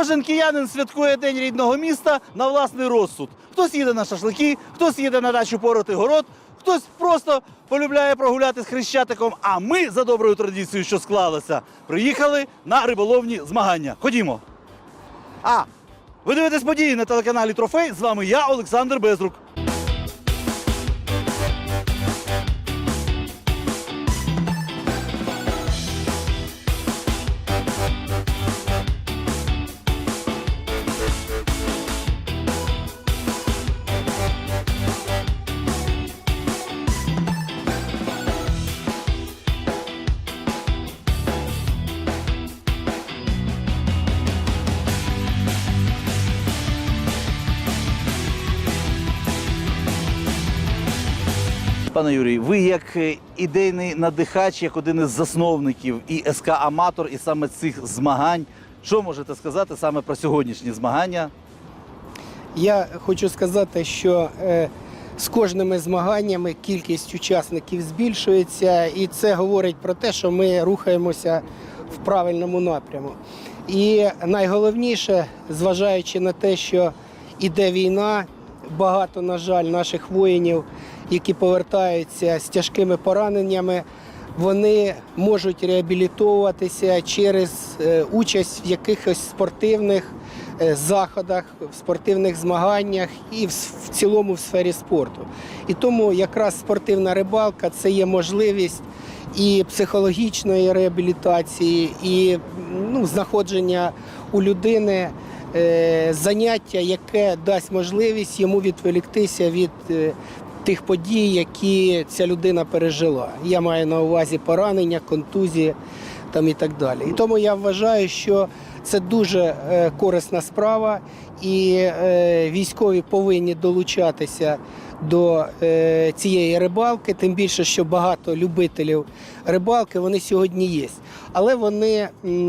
Кожен киянин святкує День рідного міста на власний розсуд. Хтось їде на шашлики, хтось їде на дачу порати город, хтось просто полюбляє прогуляти з Хрещатиком, а ми, за доброю традицією, що склалася, приїхали на риболовні змагання. Ходімо. Ви дивитесь події на телеканалі «Трофей». З вами я, Олександр Безрук. Пане Юрій, ви як ідейний надихач, як один із засновників і СК «Аматор», і саме цих змагань, що можете сказати саме про сьогоднішні змагання? Я хочу сказати, що з кожними змаганнями кількість учасників збільшується, і це говорить про те, що ми рухаємося в правильному напряму. І найголовніше, зважаючи на те, що іде війна, багато, на жаль, наших воїнів, які повертаються з тяжкими пораненнями, вони можуть реабілітовуватися через участь в якихось спортивних заходах, в спортивних змаганнях і в цілому в сфері спорту. І тому якраз спортивна рибалка – це є можливість і психологічної реабілітації, і знаходження у людини заняття, яке дасть можливість йому відволіктися від тих подій, які ця людина пережила. Я маю на увазі поранення, контузії і так далі. І тому я вважаю, що це дуже корисна справа, і військові повинні долучатися до цієї рибалки, тим більше, що багато любителів рибалки, вони сьогодні є. Але вони,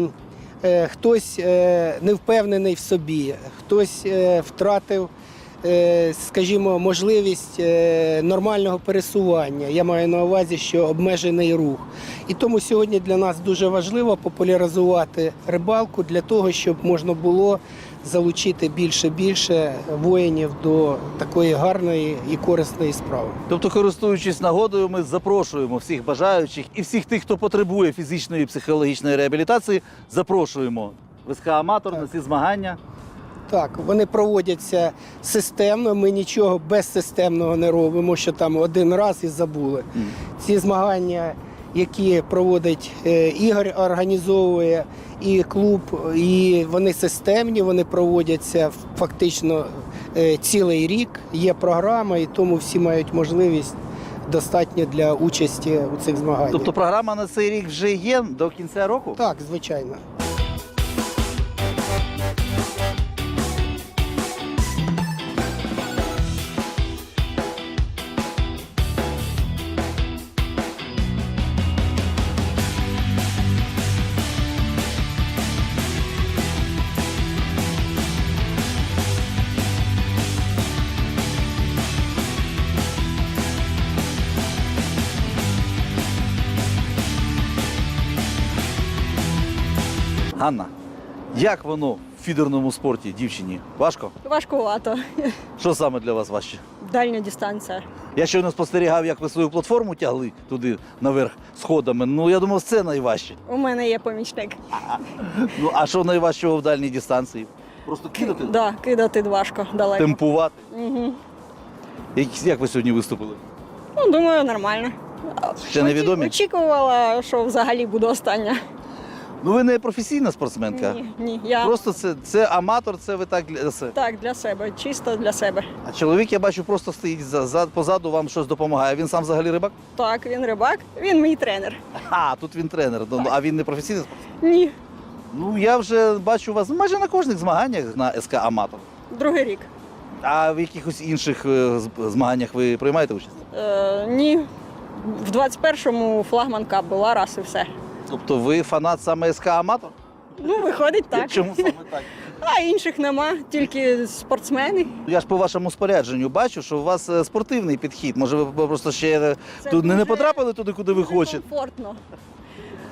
хтось не впевнений в собі, хтось втратив, скажімо, можливість нормального пересування. Я маю на увазі, що обмежений рух. І тому сьогодні для нас дуже важливо популяризувати рибалку для того, щоб можна було залучити більше воїнів до такої гарної і корисної справи. Тобто, користуючись нагодою, ми запрошуємо всіх бажаючих і всіх тих, хто потребує фізичної і психологічної реабілітації, запрошуємо в СК «Аматор» на ці змагання. Так, вони проводяться системно, ми нічого безсистемного не робимо, що там один раз і забули. Ці змагання, які проводить Ігор, організовує і клуб, і вони системні, вони проводяться фактично цілий рік, є програма, і тому всі мають можливість достатньо для участі у цих змаганнях. Тобто програма на цей рік вже є до кінця року? Так, звичайно. Ганна, як воно в фідерному спорті дівчині? Важко? Важкувато. Що саме для вас важче? Дальня дистанція. Я щойно спостерігав, як ви свою платформу тягли туди наверх сходами. Ну, я думав, це найважче. У мене є помічник. Ну, а що найважчого в дальній дистанції? Просто кидати? Да, кидати важко, далеко. Темпувати? Угу. Як ви сьогодні виступили? Ну, думаю, нормально. Ще невідомі? Очікувала, що взагалі буду остання. Ну, ви не професійна спортсменка? Ні. Я Просто це аматор, це ви так для себе. так, для себе, чисто для себе. А чоловік, я бачу, просто стоїть позаду, вам щось допомагає. Він сам взагалі рибак? Так, він рибак, він мій тренер. Тут він тренер. Ну, а він не професійний спортсмен? Ні, Ну, я вже бачу вас майже на кожних змаганнях на СК «Аматор». другий рік. А в якихось інших змаганнях ви приймаєте участь? Ні. В 21-му флагман кап була раз і все. Тобто ви фанат саме СК «Аматор»? Ну, виходить так. Чому саме так? А інших нема, тільки спортсмени. Я ж по вашому спорядженню бачу, що у вас спортивний підхід. Може, ви просто ще Це тут не дуже- потрапили туди, куди ви Дуже хочете? комфортно.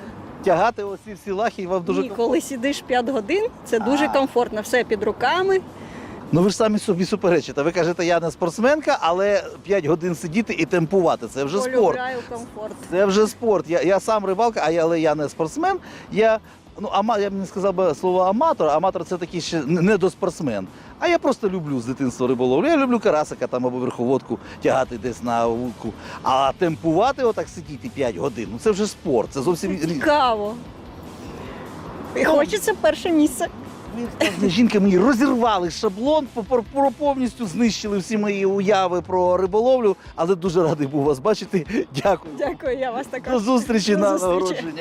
тягати оці всі лахи, і вам дуже Ні, комфортно. коли сидиш 5 годин, це дуже комфортно. Все під руками. Ну ви ж самі собі суперечите. Ви кажете, я не спортсменка, але 5 годин сидіти і темпувати це вже спорт. Полюбляю комфорт. Це вже спорт. Я сам рибалка, але я не спортсмен. Я б не сказав би слово аматор. Аматор це такий ще не до спортсмен. А я просто люблю з дитинства риболовлю. Я люблю карасика там або верховодку тягати десь на вудку. А темпувати, отак сидіти 5 годин, ну це вже спорт. Це зовсім різне. Цікаво. І хочеться перше місце. Ви, жінка, мені розірвали шаблон, повністю знищили всі мої уяви про риболовлю, але дуже радий був вас бачити. Дякую. Дякую, я вас також. До зустрічі До на зустрічі. нагородження.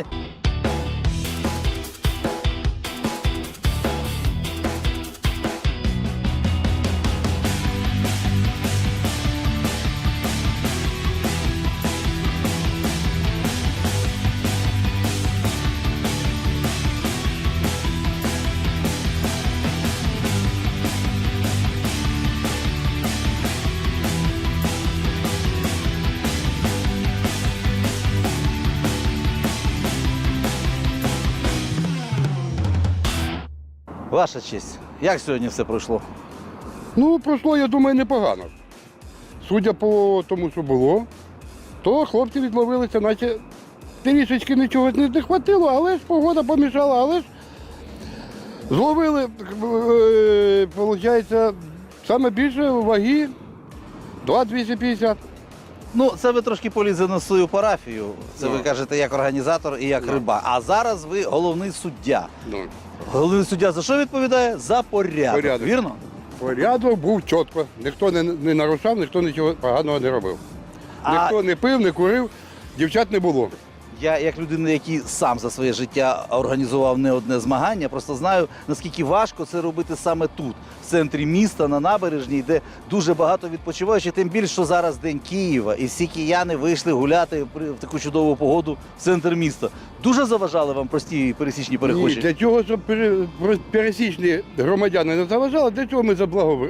Ваша честь, як сьогодні все пройшло? Ну, пройшло, я думаю, непогано. Судя по тому, що було, то хлопці відловилися, наче трішечки нічого не хватило, але ж погода помішала, але ж зловили, виходить, саме більше ваги 2,250. Ну, це ви трошки полізли на свою парафію. Це ви Ну. кажете як організатор і як Ну. риба. А зараз ви головний суддя. Ну, Головний суддя за що відповідає? За порядок. Порядок. Вірно? порядок був чітко. Ніхто не нарушав, ніхто нічого поганого не робив. А- Ніхто не пив, не курив, дівчат не було. Я, як людина, який сам за своє життя організував не одне змагання, просто знаю, наскільки важко це робити саме тут, в центрі міста, на набережній, де дуже багато відпочиваючих, тим більше, що зараз День Києва, і всі кияни вийшли гуляти в таку чудову погоду в центр міста. Дуже заважали вам прості пересічні перехожі? Ні, для цього, щоб пересічні громадяни не заважали, для цього ми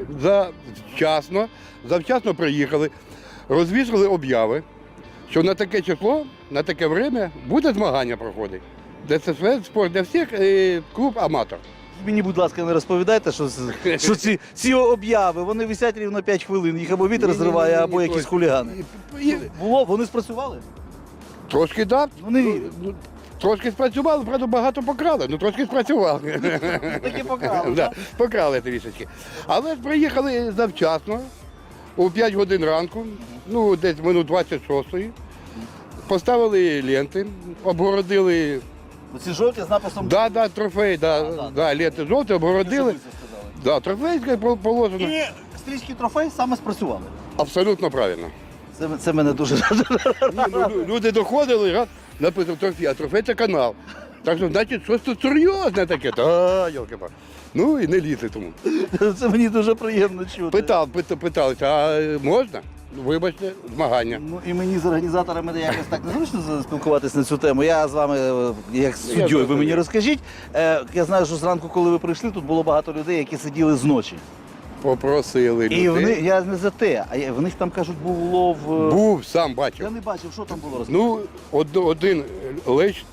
завчасно приїхали, розвісили обяви, що на таке число, на таке время буде змагання проходити. ДСС спорт для всіх, клуб аматор. Мені, будь ласка, не розповідайте, що ці обяви, вони висять рівно 5 хвилин, їх або вітер Ні-ні-ні, зриває, або ні, якісь точно. хулігани. І- Було, вони спрацювали? Трошки так. Ну, не вірю. Трошки спрацювали, правда, багато покрали, ну трошки спрацювали. Таки покрали, Да, покрали трішечки. Але ж приїхали завчасно, о 5 годин ранку, ну десь минут 26-ї. Поставили ленти, обгородили, Оці жовті з написом трофей, да. ленти жовті, обгородили. Да, трофейське положено. І стрічки трофей саме спрацювали. Абсолютно правильно. Це мене дуже Ні, ну, люди доходили, раз, написав трофей, а трофей це канал. Так що, значить, щось тут серйозне таке. Та, йолки-палки. Ну і не лізли тому. це мені дуже приємно чути. Питалися, а можна? Ну, вибачте, змагання. Ну і мені з організаторами якось так незручно спілкуватись на цю тему. Я з вами, як з суддєю, ви мені зрозумів. розкажіть. Я знаю, що зранку, коли ви прийшли, тут було багато людей, які сиділи зночі. Попросили І людей. я не за те, а в них там кажуть, був улов. Був, сам Я бачив. не бачив, що там було розказано. Ну, один лещ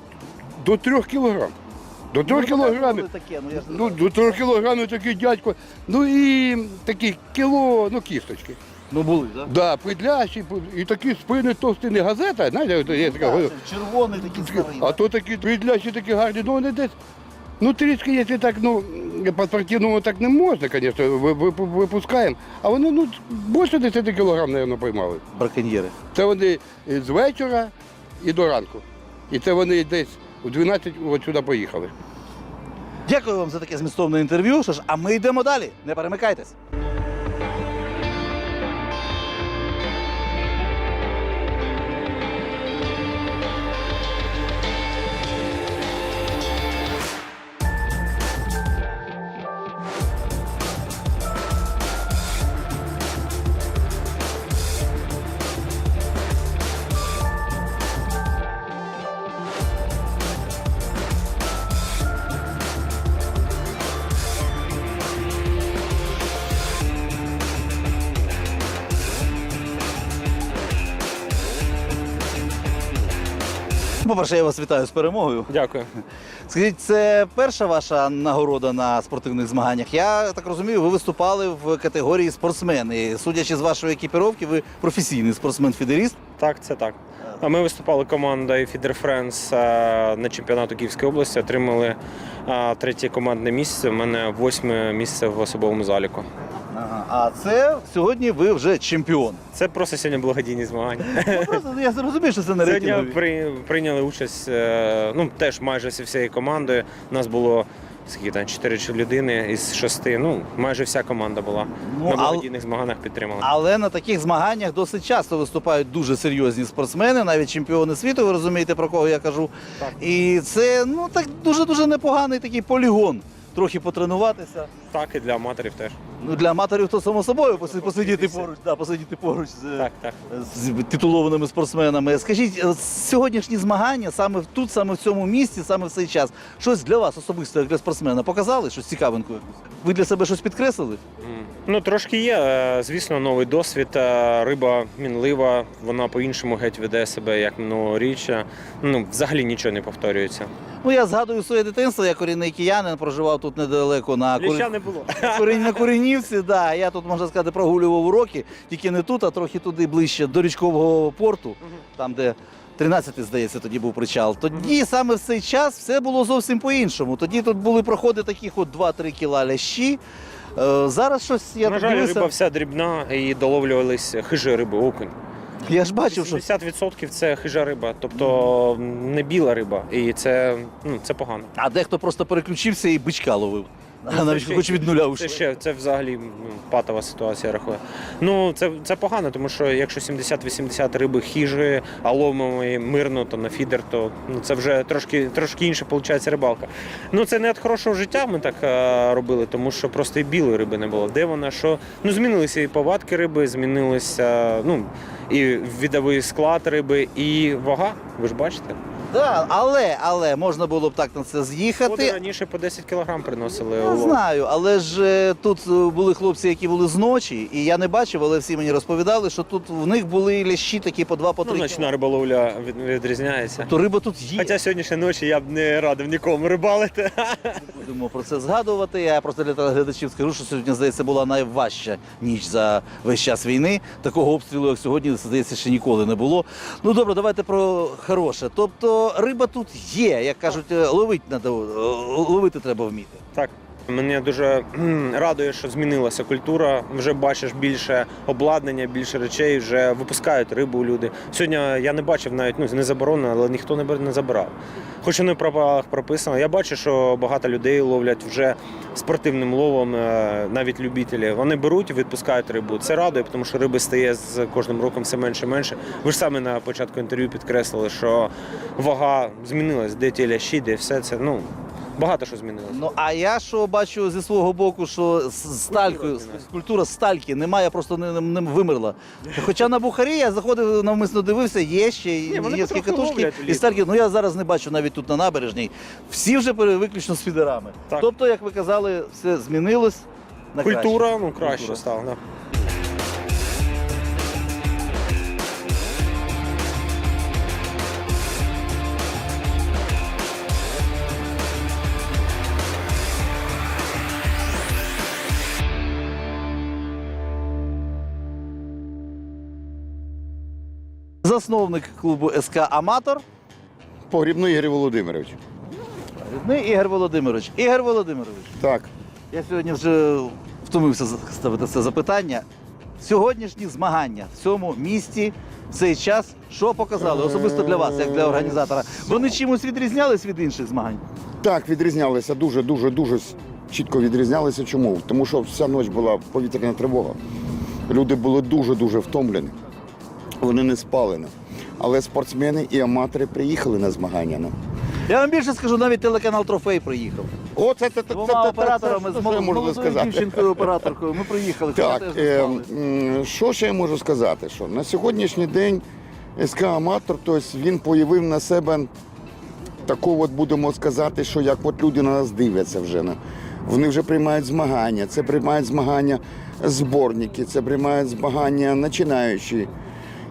до 3 кілограм. До 3 кілограмів. Таке, ну, я ж не Ну, знаю. до 3 кілограмів такий дядько. Ну і такі кіло, ну кісточки. Ну були, так? Да, придлящі, і такі спини товсті, не газета, знаєте, є така. Червоний такий старий. А то такі придлящі, такі гарні, ну вони десь. Ну, трішки, якщо так, ну, по-спортивному так не можна, звісно, випускаємо. А вони, ну, більше 10 кілограм, мабуть, поймали. Браконьєри. Це вони з вечора і до ранку. І це вони десь у 12 от сюди поїхали. Дякую вам за таке змістовне інтерв'ю. Що ж, а ми йдемо далі. Не перемикайтесь. По-перше, я вас вітаю з перемогою. Дякую. Скажіть, це перша ваша нагорода на спортивних змаганнях? Я так розумію, ви виступали в категорії спортсмени. Судячи з вашої екіпіровки, ви професійний спортсмен-фідеріст. Так, це так. А ми виступали командою Feeder Friends на чемпіонату Київської області, отримали 3-є командне місце. У мене 8-е місце в особовому заліку. Ага. А це сьогодні ви вже чемпіон. Це просто сьогодні благодійні змагання. Ну, просто я зрозумів, що це не Сьогодні рейтингові. прийняли участь теж майже всією командою. У нас було 4 людини із 6. Майже вся команда була. Ну, На благодійних змаганнях підтримала. Але на таких змаганнях досить часто виступають дуже серйозні спортсмени, навіть чемпіони світу, ви розумієте, про кого я кажу. Так. І це так дуже непоганий такий полігон. Трохи потренуватися. Так, і для аматорів теж. Ну, для аматорів то само собою посидіти поруч Так. з титулованими спортсменами. Скажіть, сьогоднішні змагання саме тут, саме в цьому місці, саме в цей час, щось для вас особисто, як для спортсмена, показали? Щось цікавинку якусь? Ви для себе щось підкреслили? Трошки є. Звісно, новий досвід. Риба мінлива, вона по-іншому геть веде себе, як минулоріччя. Взагалі нічого не повторюється. Я згадую своє дитинство, я корінний киянин, проживав тут недалеко на Ліща не було. на Куренівці. Да. Я тут, можна сказати, прогулював уроки, тільки не тут, а трохи туди ближче до річкового порту, там, де 13-й, здається, тоді був причал. Тоді саме в цей час все було зовсім по-іншому. Тоді тут були проходи таких 2-3 кіла лящі. Зараз щось, я На тут жаль, дивився, риба вся дрібна і доловлювались хижі риби, окунь. я ж бачив, що 70% це хижа риба, тобто не біла риба, і це погано. а дехто просто переключився і бичка ловив. Навіть хоч від нуля ушли. Це взагалі патова ситуація, я рахую. Це погано, тому що якщо 70-80 риби хижі, а ловимо її мирно, то на фідер, то це вже трошки інша виходить рибалка. Це не від хорошого життя ми так робили, тому що просто і білої риби не було. Де вона, що? Змінилися і повадки риби, змінилися і відовий склад риби, і вага, ви ж бачите. Да, але можна було б так на це з'їхати. Води раніше по 10 кілограм приносили. Я знаю, але ж тут були хлопці, які були зночі, і я не бачив, але всі мені розповідали, що тут в них були лящі такі по 2-3 Ночна риболовля відрізняється. То риба тут є. Хоча сьогоднішньої ночі я б не радив нікому рибалити. Будемо про це згадувати. Я просто для телеглядачів скажу, що сьогодні, здається, була найважча ніч за весь час війни. Такого обстрілу, як сьогодні, здається, ще ніколи не було. Добре, давайте про хороше. Тобто риба тут є, як кажуть, ловити треба вміти. Так. Мене дуже радує, що змінилася культура. Вже бачиш більше обладнання, більше речей, вже випускають рибу люди. Сьогодні я не бачив навіть, не заборонено, але ніхто не забирав. Хоч воно в правилах прописано. Я бачу, що багато людей ловлять вже спортивним ловом, навіть любителі. Вони беруть і відпускають рибу. Це радує, тому що риби стає з кожним роком все менше і менше. Ви ж самі на початку інтерв'ю підкреслили, що вага змінилась, де ті лящі, де все це. Багато що змінилося. А я що бачу зі свого боку, що з сталькою, культура стальки немає, просто не вимерла. Хоча на Бухарі я заходив, навмисно дивився, є ще є катушки і стальки. Я зараз не бачу навіть тут на набережній. Всі вже виключно з фідерами. Так. Тобто, як ви казали, все змінилось на краще. Культура, краще стала. Да. Засновник клубу СК «Аматор» Погрібний Ігор Володимирович. Ігор Володимирович. Ігор Володимирович, Так. я сьогодні вже втомився ставити це запитання. Сьогоднішні змагання в цьому місті в цей час, що показали особисто для вас, як для організатора? Вони чимось відрізнялись від інших змагань? Так, відрізнялися, дуже чітко відрізнялися. Чому? Тому що вся ніч була повітряна тривога. Люди були дуже втомлені. Вони не спали. Але спортсмени і аматори приїхали на змагання. Я вам більше скажу, навіть телеканал «Трофей» приїхав. О, це Двома операторами, з молодою сказати. дівчинкою-операторкою. Ми приїхали. Так, теж не спали. що ще я можу сказати? Що на сьогоднішній день СК «Аматор», тобто він проявив на себе таку, будемо сказати, що як люди на нас дивляться вже. Вони вже приймають змагання, це приймають змагання зборники, це приймають змагання починаючі.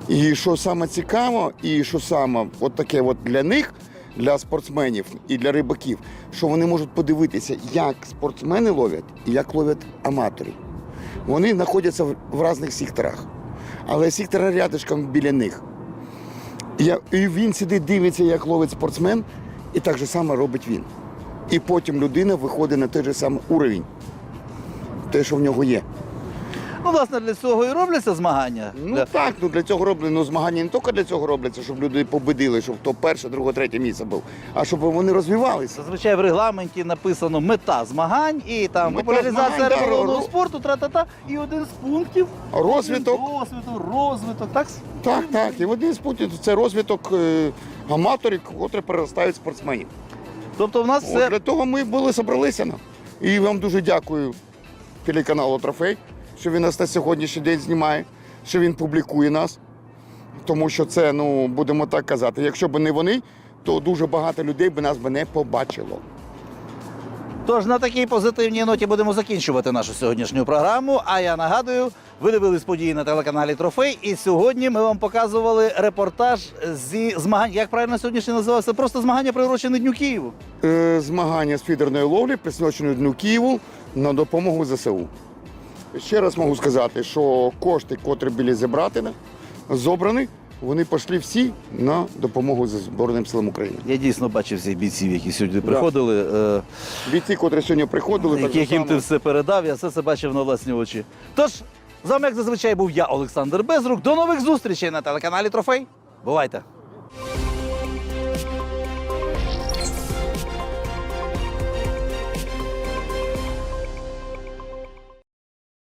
І що саме цікаво, і що саме от таке от для них, для спортсменів і для рибаків, що вони можуть подивитися, як спортсмени ловлять і як ловлять аматори. Вони знаходяться в різних секторах, але сектор рядышком біля них. І він сидить, дивиться, як ловить спортсмен, і так же само робить він. І потім людина виходить на той же самий уровень, те, що в нього є. Ну, власне, для цього і робляться змагання. Ну так, для цього роблено змагання не тільки для цього робляться, щоб люди победили, щоб хто перше, друге, третє місце був, а щоб вони розвивалися. Зазвичай в регламенті написано мета змагань і там Мета популяризація змагань, да, риболовного спорту, тра-та-та, і один з пунктів Розвиток. розвиток, так? Так. І один з пунктів – це розвиток аматорів, котрі переростають в спортсменів. Тобто в нас От все для того ми були зібралися. І вам дуже дякую телеканалу «Трофей», що він нас на сьогоднішній день знімає, що він публікує нас. Тому що це, будемо так казати, якщо б не вони, то дуже багато людей б нас не побачило. Тож на такій позитивній ноті будемо закінчувати нашу сьогоднішню програму. А я нагадую, ви дивились події на телеканалі Трофей. І сьогодні ми вам показували репортаж зі змагань. Як правильно сьогоднішнє називався? Просто змагання приурочені Дню Києву. Змагання з фідерної ловлі присвячені Дню Києву на допомогу ЗСУ. Ще раз можу сказати, що кошти, котрі були зібрані, вони пішли всі на допомогу Збройним силам України. Я дійсно бачив всіх бійців, які сьогодні приходили. Бійці, котрі сьогодні приходили, так Яким само. ти все передав, я все це бачив на власні очі. Тож, з вами, як зазвичай, був я, Олександр Безрук. До нових зустрічей на телеканалі Трофей. Бувайте!